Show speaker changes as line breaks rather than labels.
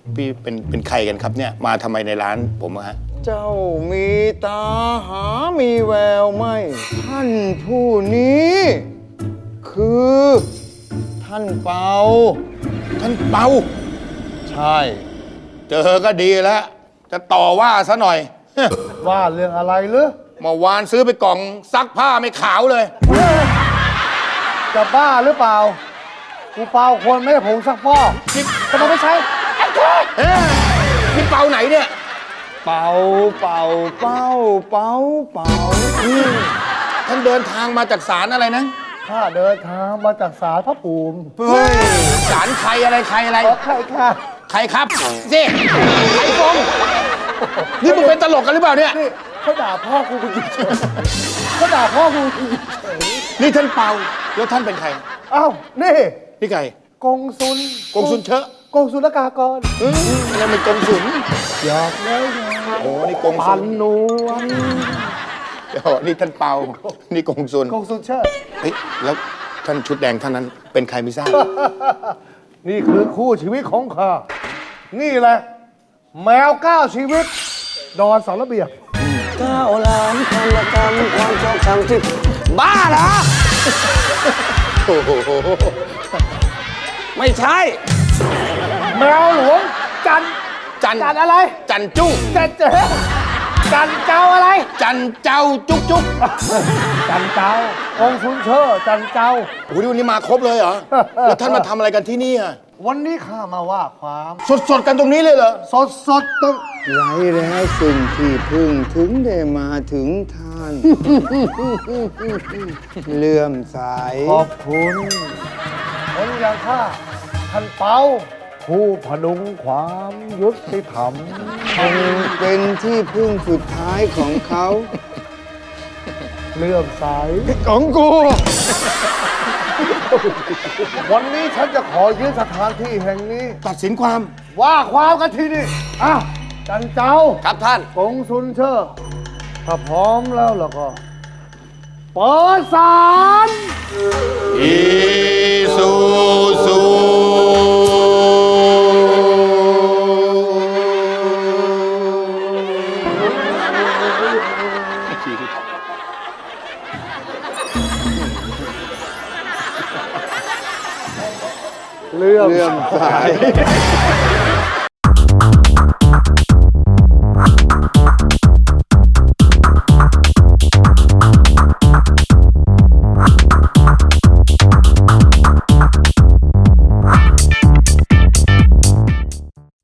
พี่เป็นใครกันครับเนี่ยมาทำไมในร้านผมอะฮะ
เจ้ามีตาหามีแววไหมท่านผู้นี้ คือท่านเปา
ท่านเปา
ใช่
เจอก็ดีแล้ว จะต่อว่าซะหน่อย
ว่าเรื่องอะไรหรือ
เมื่อวานซื้อไปกล่องซักผ้าไม่ขาวเลย
จะบ้าหรือเปล่ากูเปล่าคนไม่ได้ผงซักฟอกทำไมไม่ใช้
เอ๊ะนี่เปาไหนเนี่ย
เปาเปาเป้าเปาเปา
ท่านเดินทางมาจากศาลอะไรนะ
ข้าเดินทางมาจากศาลพระภูมิ
เฮ้ยศาลใครอะไรใครอะไร
ขอใครค่ะ
ใครครับสิใครฟงนี่มึงเป็นตลกกันหรือเปล่าเนี่ย
นี่เขาด่าพ่อกูกูเฉยเขาด่าพ่อกูกูเฉย
นี่ท่านเปา แล้วท่านเป็นใคร
อ้าวนี่
พี่ไก่
กงสุล
กงสุนเชอะ
กงสุลกากร
ยังเป็นกงสุน
หยอกเลยไง
โอ้นี่กงสุ
ปั
น
นนวล
เดี๋ยวนี่ท่านเปา นี่กงสุน
กงสุลเชิด
เฮ้ยแล้วท่านชุดแดงท่านนั้นเป็นใครไม่ทราบ
นี่คือคู่ชีวิตของข้า นี่แหละ แมว9 ชีวิต ดอนเสาระเบียบ
9 ล้านพันละกรรมความชอบธรรมที่บ้าเหรอ
โอ้โห
ไม่ใช่
แมวหลวงจัน
จัน
จันอะไร
จันจุ้ง
จันเจจันเจ้าอะไร
จันเจ้าจุ๊กจุ๊ก
จันเจ้ากงสุนเชอจันเจ้า
โอ้โหวันนี้มาครบเลยเหรอ แล้วท่านมาทำอะไรกันที่นี่อ่ะ
วันนี้ข้ามาว่าความ
สดๆกันตรงนี้เลยเหรอ
สดต้อง
ไรแล้วสิ่งที่พึ่งถึงได้มาถึงท่าน เลื่อมใส
ขอบคุณคนอย่างข้าท่านเปาผู้พดุงความยุติธรรม
คงเป็นที่พึ่งสุดท้ายของเขา
เลื่อมใส
ของกู
วันนี้ฉันจะขอยืนสถานที่แห่งนี้
ตัดสินความ
ว่าความกันที่นี่อ้าวจันเจ้า
ครับท่าน
กงสุนเชอร์ถ้าพร้อมแล้วก็ เปิดศาล
อีซูซู
เลื่อม
เลื่อมใส